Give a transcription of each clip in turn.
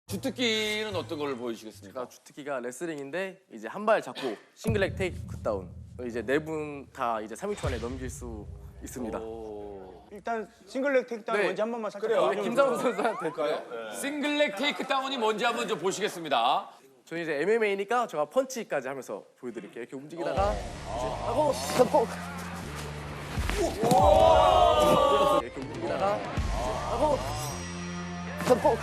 주특기는 어떤 걸 보여주시겠습니까? 주특기가 레슬링인데 이제 한 발 잡고 싱글렉 테이크 다운. 이제 네 분 다 이제 3초 안에 넘길 수 있습니다. 일단 싱글렉 테이크다운 네. 뭔지 한 번만 살짝 우리 김상우 선수한테 싱글렉 테이크다운이 뭔지 한번 좀 보시겠습니다. 저희 이제 MMA니까 제가 펀치까지 하면서 보여드릴게요. 이렇게 움직이다가 이제 하고 잡고 이렇게 움직이다가 이제 하고 잡고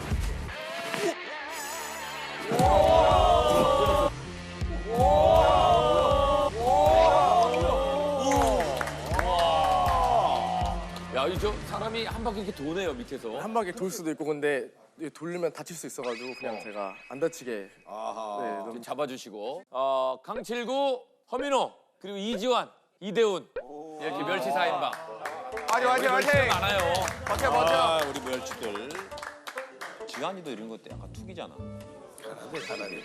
야, 이 저 사람이 한 바퀴 이렇게 도네요, 밑에서. 한 바퀴 돌 수도 있고 근데 돌리면 다칠 수 있어가지고 그냥 제가 안 다치게 네, 너무 잡아주시고. 강칠구, 허민호, 그리고 이지환, 이대훈. 이렇게 멸치 4인방. 화이팅 많아요. 아, 우리 멸치들. 지환이도 이런 것도 약간 툭이잖아. 잘하네.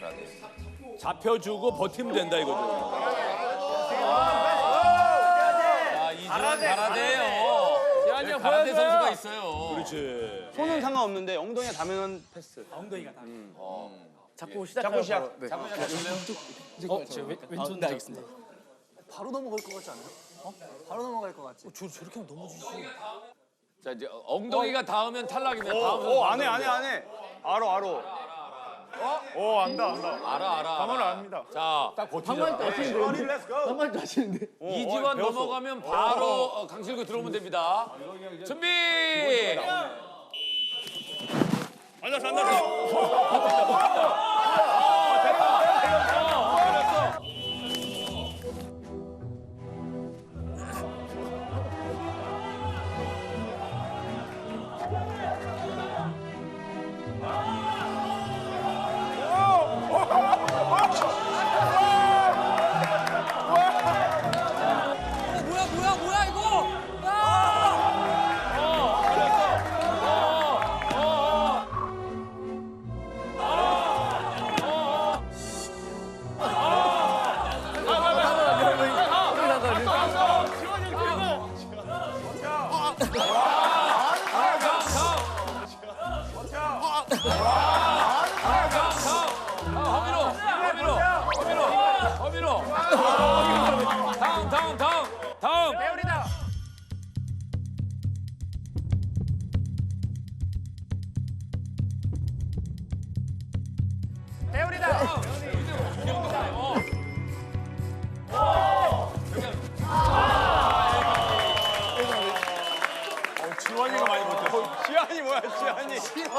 잡혀주고 버티면 된다 이거죠. 자, 이지환 가라데요. 지환이 가라데 선수가 있어요. 그렇지. 손은 상관없는데 엉덩이가 닿으면 패스. 잡고 시작. 잡고 시작. 네. 왼손 네, 알겠습니다. 바로 넘어갈 것 같지 않아요? 바로 넘어갈 것 같지? 저렇게 하면 넘어지지. 자, 이제 엉덩이가 닿으면 탈락입니다. 다음 선수 안해. 알아. 안다. 알아. 방어를 압니다. 자, 방만도 하시는데. 이지환 넘어가면 바로 강칠구 들어오면 됩니다. 준비! 뭐야 이거? 허민호. 다음. 배우리다. 지환이가 많이 못했어. 지환이 뭐야, 지환이.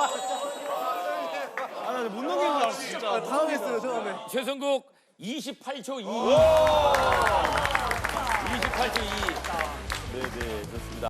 못 넘기는 줄 알았어, 진짜. 당황했어요 처음에. 최성국 28초 2. 28초 2. 네네, 좋습니다.